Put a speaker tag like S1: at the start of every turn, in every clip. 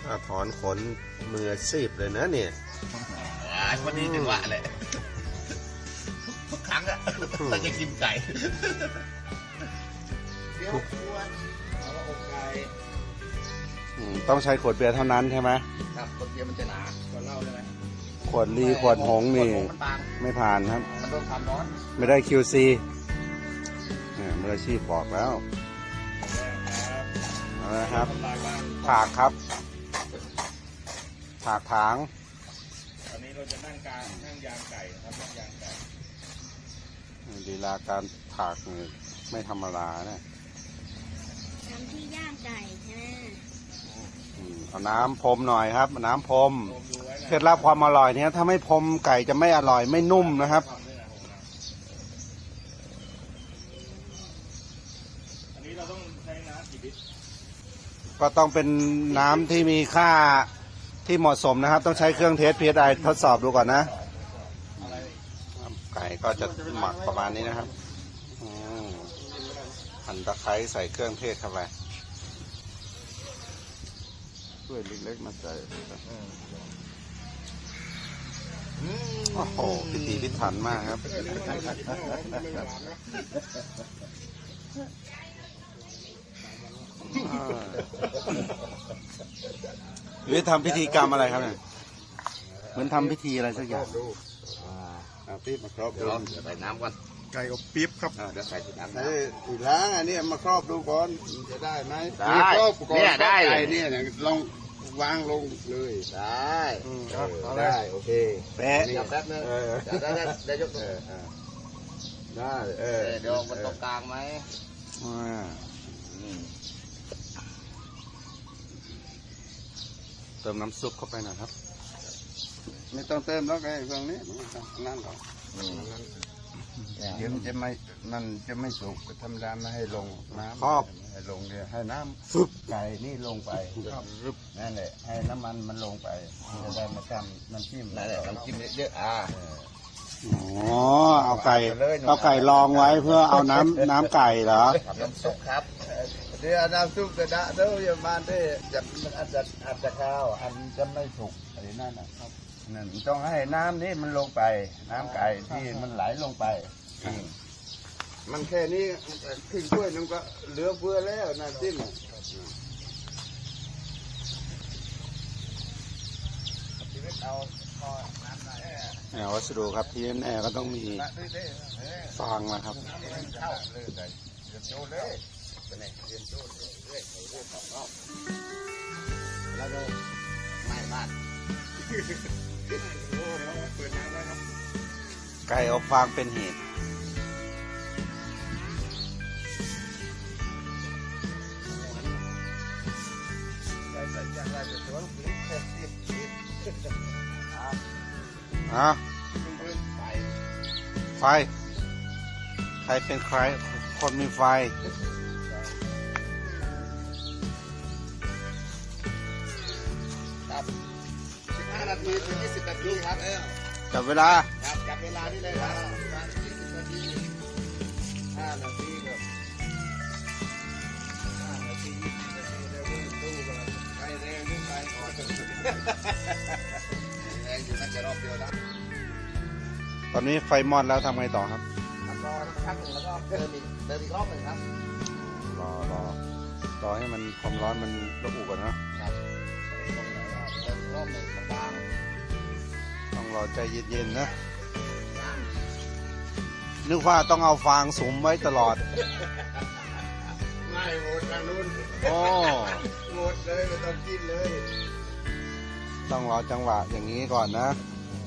S1: ถอนขนมือซีบเลยนะเนี่ย
S2: วันนี้จังหวะเลยทุกครั้งอะเราจะกินไก่เดี๋ยวควรเอาอกไก่
S1: ต้องใช้ขวดเบียร์เท่านั้นใช่ไหม
S2: ครับขวดเบียร์มันจะหนาขวดเหล้าใช่ไหม
S1: ขวดลีขวดหงนี่ไม่ผ่านครับ
S2: มันโดนความร้อน
S1: ไม่ได้ QC มืออาชีพบอกแล้วนะครับถากครับถากถาง
S2: ตอนนี้เราจะนั่งยางไก่นะครับนั่งยางไก่
S1: ลีลาการถากนี่ไม่ธรรมดานะ
S3: ทำที่ย่างไก่ใช่ไหม
S1: เอาน้ำพรมหน่อยครับน้ำพรมเคล็ดลับความอร่อยเนี่ยถ้าไม่พรมไก่จะไม่อร่อยไม่นุ่มนะครับ
S2: อันนี้เราต้องใช้น้ำกี่ลิตร
S1: ก็ต้องเป็นน้ำที่มีค่าที่เหมาะสมนะครับต้องใช้เครื่องเทส PSI ทดสอบดูก่อนนะไก่ก็จะหมักประมาณนี้นะครับหั่นตะไคร้ใส่เครื่องเทศเข้าไปช่วยเล็กๆมาใส่โอ้โหพิถีพิถันมากครับหรือทำพิธีกรรมอะไรครับเนี่ยเหมือนทำพิธีอะไรสักอย่างปี๊บมาครอบดู
S2: ใส่น้ำก่อน
S1: ไก่อบปี๊บครับ
S2: เดี๋ยวใส่ที่น้ำ
S1: อีล้างอันนี้มาครอบดูก่อนจะได้ไหม
S2: ได้เนี่ยได้
S1: ไก่เนี่ยลองวางลงเลย
S2: ได้
S1: ได้โอเคแปะ
S2: แป๊บนึงได้ยกตัว
S1: ได้
S2: เดี๋ยวมันตรงกลางไหม
S1: เติมน้ำซุปเข้าไปหน่อยครับไม่ต้องเติมแล้วไอ้เรื่องนี้นั่นหรอกเดี๋ยวมันจะไม่สุกธรรมดาไม่ให้ลงน้ำให้ลงเนี่ยให้น้ำซุปไก่นี่ลงไปนั่นแหละให้น้ำมันลงไปจะได้มาทำน้ำจิ้ม
S2: นั่นแหละน้ำจิ้มเยอะ
S1: เอาไก่ลองไว้เพื่อเอาน้ำไก่เหรอ
S2: น้ำซุปครับ
S1: เดี๋ยวน้ำซุปกระดาษเดี๋ยวอย่ามาได้มันอาจจะข้าวอันจะไม่สุกอะไรนั่นนะครับนั่นต้องให้น้ำนี่มันลงไปน้ำไก่ที่มันไหลลงไปมันแค่นี้ครึ่งถ้วยนึงก็เหลือเฟือแล้วน้ำจิ้มวัสดุครับที่แน่ก็ต้องมีฟางนะครับ
S2: แล้วก็ไม่บ้าน
S1: ไก่อบฟางเป็นเหตุไฟใครเป็นใครคนมีไฟ
S2: ครับ15 นาทีถึง 20 นาทีครับ
S1: จับเวลา
S2: จับเวลานี่เลยครับ20 นาที5 นาทีครับ5 นาที20 นาทีแล้วดูกันไปแรงยิ่งไปอ่อนแรงอยู่น่าจะรอบเดียวนะ
S1: ตอนนี้ไฟมอดแล้วทำไงต่อครับ
S2: รอสักพักหนึ่งแล้วก็เติมอีกรอบหนึ่งครับ
S1: รอให้มันความร้อนมันระอุก่อน
S2: นะครับรอบหนึ่งบาง
S1: ต้องรอใจเย็นๆนะนึกว่าต้องเอาฟางสุมไว้ตลอด
S2: ไม่หมดทางนู้นหมดเลยไม่ต้องกินเลย
S1: ต้องรอจังหวะอย่างนี้ก่อนนะ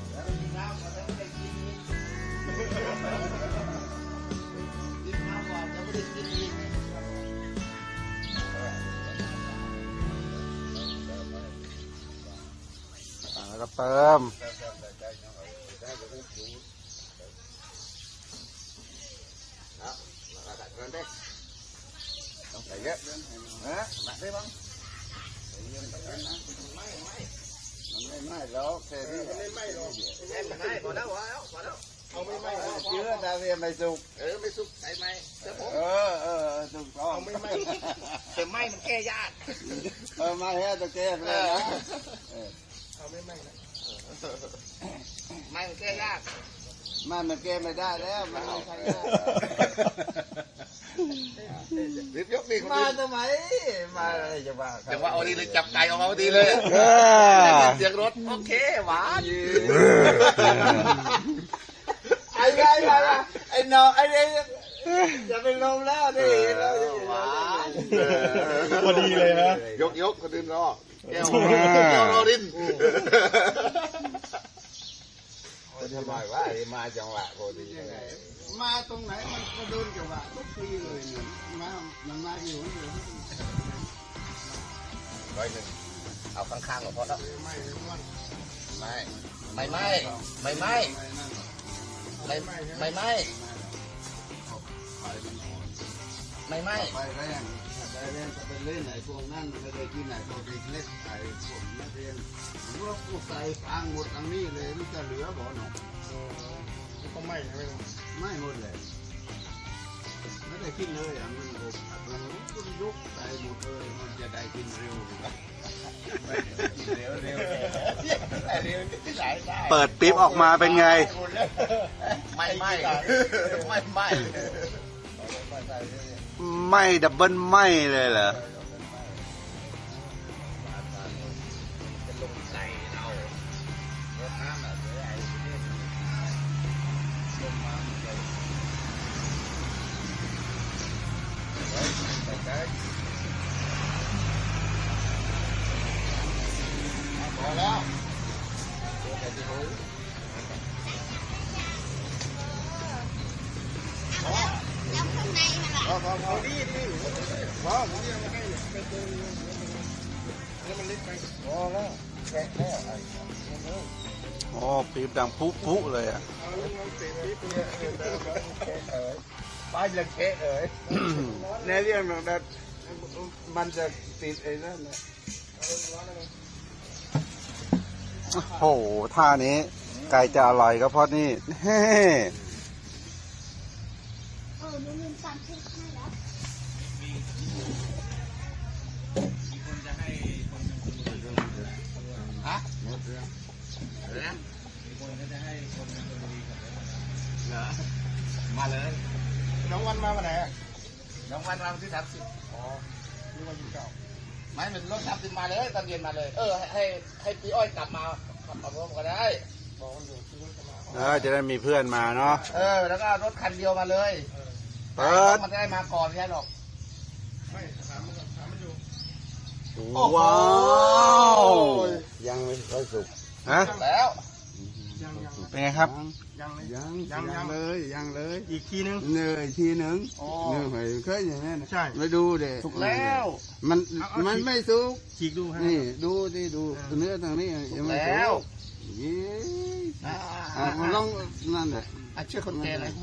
S1: แล้วก็เติม
S2: ต้องใส่เยอะหนักได้บ้าง
S1: มันไม่ไหม้แล้วแค่นี้
S2: ไม่ไหม้หรอกไม่ไหม้พอแล้วเอาไม่ไหม้
S1: เชื้อดาวเรียนไม่สุก
S2: ไม่สุกใส่ไหมเดี๋ยวผม
S1: ถูกต้อง
S2: เอาไม่ไหม้แต่ไหม้มันแก้ยาก
S1: ไม่ให้ตะแก้ไปเลยนะ
S2: เอาไม่ไหม้นะไหม้มันแก้ยาก
S1: มันแก้ไม่ได้แล้วมันไม่ใช่แล้ว
S2: รีบยกดิ
S1: มาทำไมมาอะไรจะว่า
S2: แต่ว่าเอาดีเลยจับไก่ออกมาดีเลย เสียงรถโอเคหวาน
S1: ไอ้ไอ้น้องไอ้จะเป็นลมแล้วนี่
S2: หวาน
S4: พอดีเลยนะ
S2: ยกกระดิ่งรอแก้วรอดิน
S1: ทำไมวะมาจังหวะพอดีมาตรงไหนมันก็โดนจังหวะทุกทีเลยเนี่ยมันมาอยู่นี่
S2: ร้อยหนึ่งเอาข้างๆก็พอแล้วไม่
S1: ไปแรงก็ไปเล่นไหนพวกนั้นไม่ได้กินไหนพวกเล็กไอ้พวกนักเรียนว่าพวกใส่ฟางหมดทั้งนี้เลยมันจะเหลือบ่หนอ
S4: ก็ไม่ใช่ไหม
S1: ไม่หมดเลยไม่ได้กินเลยอ่ะมันอบมันยกใส่หมดเลยมันจะได้กินเร็ว
S5: เปิดปิ๊บออกมาเป็นไง
S2: ไม่
S5: ไม่ดับเบิลไม่เลยเหรอ
S2: จะลงไก่เอารถน้ำแบบไอ้เนี่ยลงมาเลยพอแล้ว
S3: แล้วข้างในมันล่ะ
S2: พอดีพอผมยังไม่ให้ไปเติมแล้วมันเล็กไปพอแล้วแค่แล้ว
S5: โอ้ปิ๊บดังปุ๊เลยอ่ะ
S2: ป้ายยังเค้เอ๋ย
S1: ในเรื่องนั้นมันจะติดไอ้นั่นนะ
S5: โอ้โหท่านี้ไก่จะอร่อยก็เพราะนี่เฮ้
S3: หนูลืมตำพริกให้แล้ว
S2: ฮะ
S1: หมดแล้ว
S2: เหรอมาเลย
S4: น้องวันมาวันไหนอ่ะ
S2: น้องวันมาวันที่30
S4: นี่วันที่เก้า
S2: ไม่เป็นรถ30มาเลยตอนเย็นมาเลย ให้พี่อ้อยกลับมาขับมาร่วมก็ได้
S4: บอกวันเดียวที่วันจะมา
S5: จะได้มีเพื่อนมาเนาะ
S2: แล้วก็รถคันเดียวมาเลย
S5: เปิด
S2: มันจะได้มาก่อนไม่ใช่หรอก
S4: ไม่ถามมันอยู่
S5: ว้าว
S1: ยังไม่ค่อยสุก
S5: ฮะ
S2: แล้ว
S4: ยัง
S5: เป็นไงครับ
S1: ยังเลย
S4: อีกทีนึง
S1: เหนื่อยทีหนึ่งเหนื่อยเคยอย่างนั้น
S4: ใช่
S1: ไปดูเด็
S2: ถูกแล้ว
S1: มันไม่สุก
S4: ฉีกดูฮะ
S1: นี่ดูดิดูเนื้อทางนี้ยังไม่สุ
S2: แล้ว
S1: กยี่ลองนั่นแหละ
S2: ช่วยคนแก่หน่อย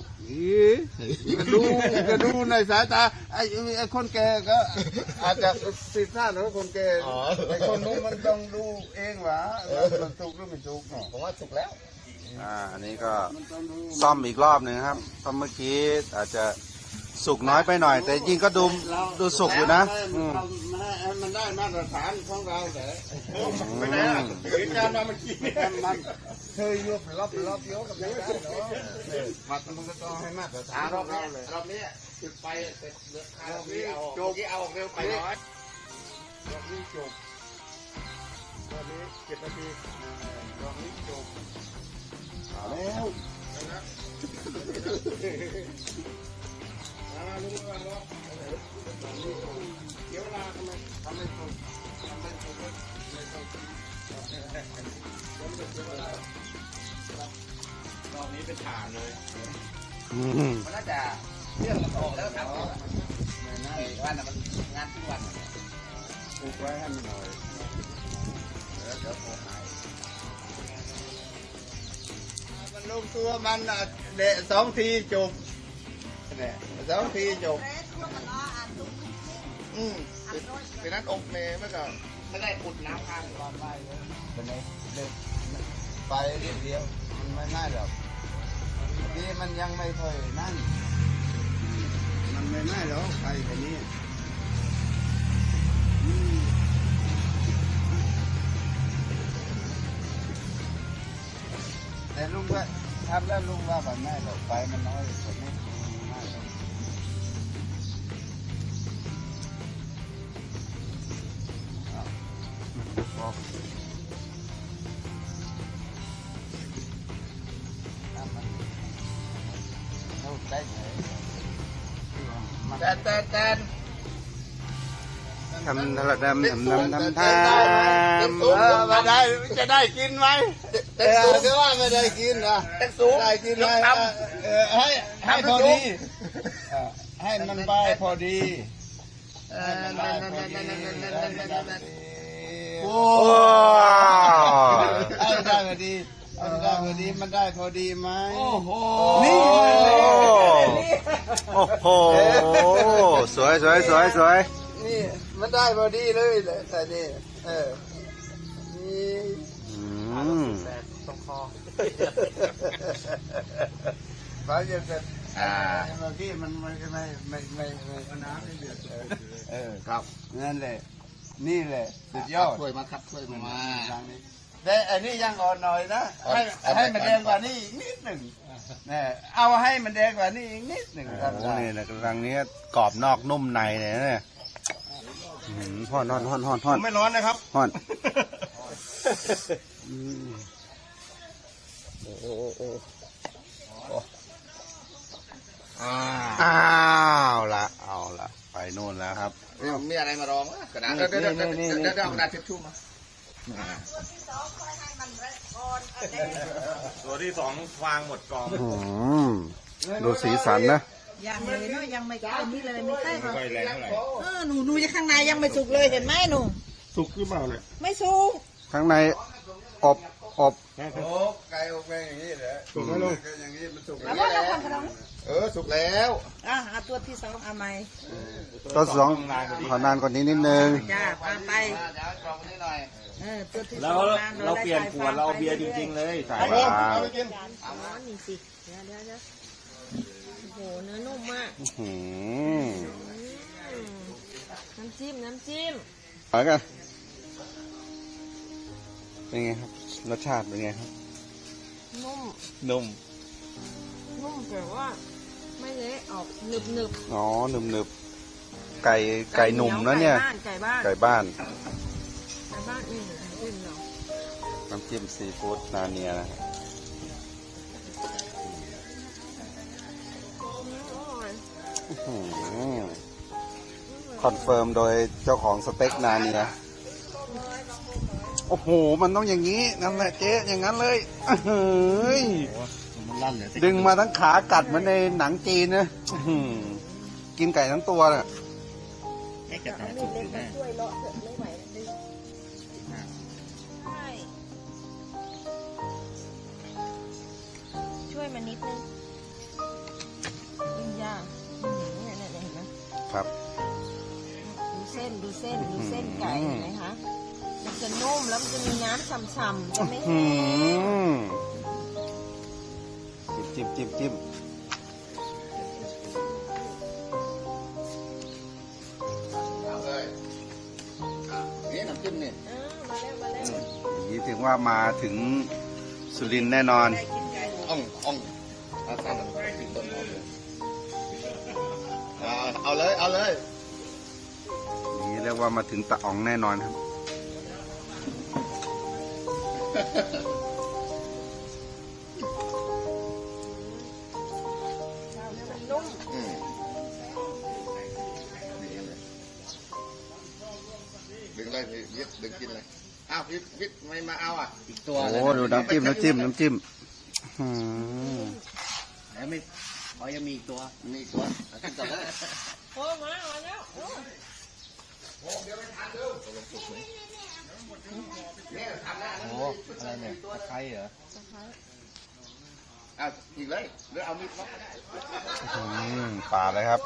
S1: ก็ดูในสายตาไอ้คนแก่ก็อาจจะผิดพลาดหรือคนแก่ไอ้คนนู้นมันต้องดูเองว่ามันสุกหรือไม่สุกเนาะ
S2: ผมว่าถูกแล้ว
S5: อันนี้ก็ซ่อมอีกรอบหนึ่งครับเพราะเมื่อกี้อาจจะสุกน้อยไปหน่อย แต่จริงก็ดูสุกอยู่นะ
S1: มันได้มาตรฐานของเราแต่
S4: ไปไหนอ่ะเหตุการณ์มาเมื่อกี้
S1: มันเคยยกรอบเยอะกับไม่ได้หรอกมันก็ต้องให้มาตรฐาน
S2: ร
S1: ข
S2: อ
S1: อบ ง
S2: นี้
S1: เราเลย
S2: รอบนี้จุดไฟเสร็จเหลือคารอบนี้เอาออกเร็วไปน้อย
S4: รอบนี้จบรอบนี้7 นาทีรอบนี้จบ
S1: แล้ว
S4: มาลุงมาล้อเดี๋ยวเวลาทำไม
S1: ทำไม่ถูกไม่ต้อง
S4: รอบนี้เป็นฐานเลย
S2: มันน่าจะเรื่องมันออกแล้วครับวันน่ะมันงานทุกวัน
S1: ปลูกไว้ให้มันหน่อยเดี๋ยวโผล่หายมันลงตัวมันเดะ2 ทีจบเนี่ย2 ทีจบ
S2: เป็นนั้นอกเมย์เมื่อก่อนไม่ได้อุดน้ำข้างรอดไปเลย
S1: เป็นไงเด็กไปเดียวมันไม่ง่ายหรอกนี้มันยังไม่ค่อยนั่นมันไม่น่าหรอกไปแบบนี้แต่ลุงว่าทำแล้วลุงว่าแบบไม่หรอกไปมันน้อยกว่านี้ไม่หรอก
S5: ทำทะเลดำทำทำทำ
S1: มาได้จะได้กินไหมก็ว่าไม่ได้กินนะได้กินไหมให้พอดีให้มันไปพอดีโอ้ได้พอดีได้พอดีมันได้พอดีไหมโอ้โหนี่
S5: โอ้โหสวยสวยสวยสวย
S1: นี่มันได้พอดีเลยแต่นี่นี่
S2: ตรงคอ
S1: ฟ้าเย็นเสร็จเมื่อกี้มันไม่น้ำไม่เดือดครับนั่นแหละนี่แหละสุดยอด
S2: ช่วยมาครับช่วยมา
S1: แต่อันนี้ยังอ่อนหน่อยนะให้มันแดงกว่านี้อีกนิดหนึ่งเนี่ยเอาให้มันแดงกว่านี้อีกนิดหนึ่งครับ
S5: โอ้นี่นะกำลังนี้กรอบนอกนุ่มในเลยนะเนี่ยห่อน
S4: ไม่ร้อนนะครับ
S5: ห่อน อ้าวละเอาละไปนู่นแล้วครับ
S2: มีอะไรมารองกระดาษเดี๋ยวเอากระดาษทิชชู่มา
S4: ตัวที่สองวางหมดกอง
S5: ดูสีสันนะ
S6: ยังเลยเนาะยังไม่ใกล้นี่เลยไม่ใกล้หรอก
S4: ไฟแรงเท่าไหร่
S6: หนูยังข้างในยังไม่สุกเลยเห็นไหมหนู
S4: สุกหรือเปล่าเนี่ย
S6: ไม่สุก
S5: ข้างในอบ
S1: โอ้ไก่อบแกงอย่างนี้เหรอ
S4: สุกไหมลุง
S1: อย่างนี้มันสุก
S6: แล้วก็เราทำขนม
S2: สุกแล้ว
S6: เอาตัวที่สองเอาไหม
S5: ตัวสองขอนานกว่านี้นิดนึง
S6: จ้าเอาไป
S2: เดี๋ยวกรองนิดหน่อย
S6: ตัวที่ส
S4: แล้
S6: อ
S4: ว
S6: งน
S4: เราเปลี่ยนขวดเราเอาเบียร์จริงๆเลยใส่
S6: เดี๋ยว
S5: ว้าว
S6: อ๋อนี่สิเดี๋ยวโอ้โหเนื้อนุ่มมาก
S5: หืม
S6: น้ำจิ้ม
S5: ไปกันเป็นไงครับรสชาติเป็นไงครับ
S6: นุ่ม
S5: นุ่ม
S6: แต่ว่าไม่เละออกหนึบ
S5: อ๋อหนึบไก่หนุ่มนะเนี่ย
S6: ไก่บ้าน
S5: ไก่บ้าน
S6: นี่จิ้มเหรอ
S5: น้ำจิ้มซีฟู้ดนาเนียนะครับ อื้อหือคอนเฟิร์มโดยเจ้าของสเต็กนาเนียโอ้โห มันต้องอย่างนี้นั่นแหละเจ๊อย่างนั้นเลยอื้อหือ
S2: มันลั่นเลย
S5: ดึงมาทั้งขากัดเหมือนในหนังจีนนะอื้อหือกินไก่ทั้งตัวน่ะ
S2: ให้กระดาษ
S6: นี่เล็กมาช่วยเลาะเถอะไม่ไหวดึงใช่ช่วยมานิดนึงยากเนี่ยเห็นไหม
S5: ครับ
S6: ดูเส้นไก่เห็นไหมคะมันจะนุ่มแล้วมันจะมีน้ำฉ่ำๆจะไม่
S5: อื
S6: แห้ง
S5: มจิ้ม
S2: นี่น้ำจิ้มนี่
S6: มาแล้ว
S5: อย่างนี้ถึงว่ามาถึงสุรินทร์แน่นอน
S6: ได้กินไก่
S2: อ่องเอาใส่ลงไปถึงต้นหอมเลยเอาเลย
S5: อย่างนี้เรียกว่ามาถึงตะอ๋องแน่นอนครับ
S6: มันนุ่ม
S2: ดึงเลยวิทย์ดึงกินเลยอ้าววิทย์ไม่มาเอาอีกตัว
S5: โอ้ดูน้ำจิ้มอืม
S2: แล้วไม่ยังมีอีกตัวมีอีกตัวขึ้นต่อเลย
S6: โอ้มาแล้ว
S2: โอ้อะไรเนี่ยตะไคร้เหรออ้าวอีกเลยหรือเอามีดมา
S5: ป่าเลยครับ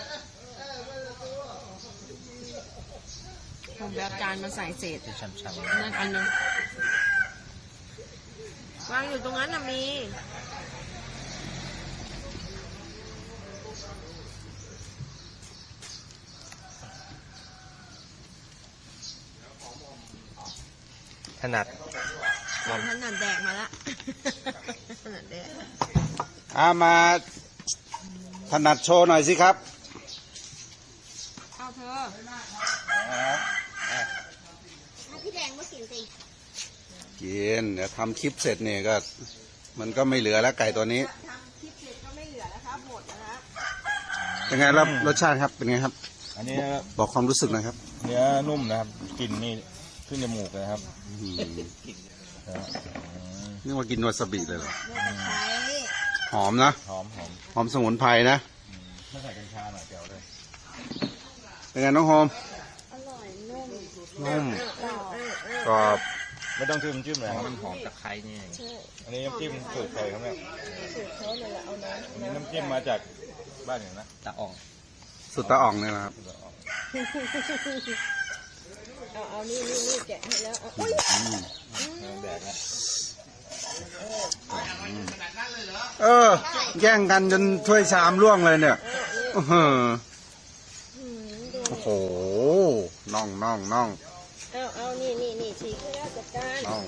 S6: ผมแบบจานมาใส่เศษ
S2: ช้ำ
S6: นั่นอันนึงวางอยู่ตรงนั้นน่ะมี
S2: นัด
S6: ถนัดแดกมาละ ถนัดแดก
S5: มาถนัดโชว์หน่อยสิครับ
S6: เอาเธอ
S3: พี่แดงก็กินสิ
S5: กินเดี๋ยวทำคลิปเสร็จเนี่ยก็ มันก็ไม่เหลือแล้วไก่ตัวนี้
S6: ทำคลิปเสร็จก็ไม่เหลือแล้วครับหมดแล้วครับ
S5: เป็นไงครับรสชาติครับเป็นไงครับ
S4: อันนี้
S5: บอกความรู้สึกหนะครับ
S4: เนื้อนุ่มนะครับกลิ่นนี่ขึ้นจมูกเลยครับ
S5: นึกว่ากินวาซาบิเลยเหรอ
S6: เลือกตะไคร้
S5: หอมนะ
S4: หอมหอม
S5: หอมสมุนไพรนะ
S4: ถ้าใส่กัญชาหน่อยเจียวเลย
S5: เป็นไงน้องโฮม
S3: อร่อยนุ่ม
S5: นุ่ม
S3: กรอบ
S5: กรอบ
S4: ไม่ต้องจิ้มเลยครับ
S2: มันหอมตะไคร้นี่เอง
S4: อันนี้น้ำจิ้มสูตรใครครับเนี่ย
S6: สูตรเขาเลยละเอาน้
S4: อันนี้น้ำจิ้มมาจากบ้านอย่างนะ
S2: ตะอ่อง
S5: สุดตาอ่องเนี่ยนะครับ
S6: ำเอานี่แกะให้แล้วเอาอุ้ย
S4: แดกนะ
S5: แย่งกันจนถ้วยชามร่วงเลยเนี่ยอื้อหือโอ้โหน่อง
S6: เอานี่ฉีกให้แล้วจัดการ
S5: น่อง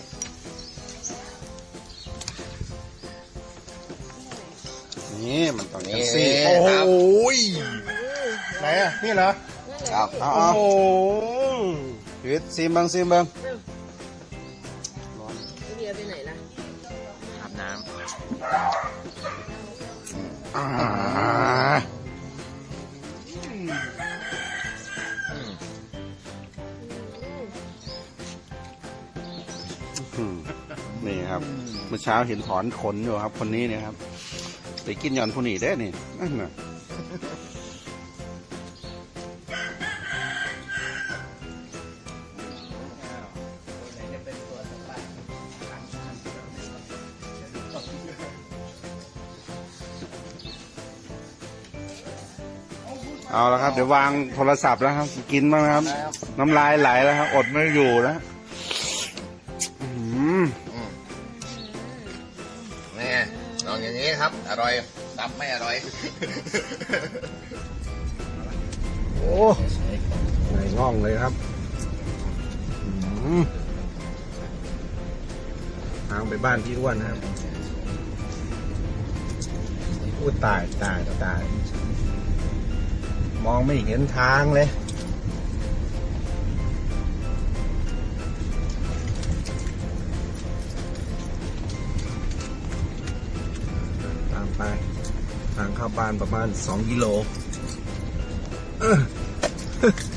S5: นี่มันต้องอย่างนี้สิ
S2: โอ้โห
S4: ไหนอ่ะนี่เหรอ
S5: ครับ
S4: โอ้
S5: เอา
S4: โห
S5: ชีวิตซิมเบิงซิมเบิง
S6: เบียร์ไปไหนล่ะ
S2: อาบน้
S5: อ่า อืมนี่ครับ เมื่อเช้าเห็นถอนขนอยู่ครับ คนนี้เนี่ยครับไปกินหย่อนผู้นี้ได้นี่นั่นน่ะเอาละครับ เดี๋ยววางโทรศัพท์แล้วครับ กินบ้างนะครับ น้ำลายไหลแล้วครับ อดไม่อยู่แล้วอื้อหือ
S2: ำนี่ลองอย่างนี้ครับ อร่อยตับไม่อร่อย
S5: โอ้ในง่องเลยครับทางไปบ้านพี่อ้วนนะครับอู้ตายมองไม่เห็นทางเลยตามไปทางเข้าบ้านประมาณ2 กิโล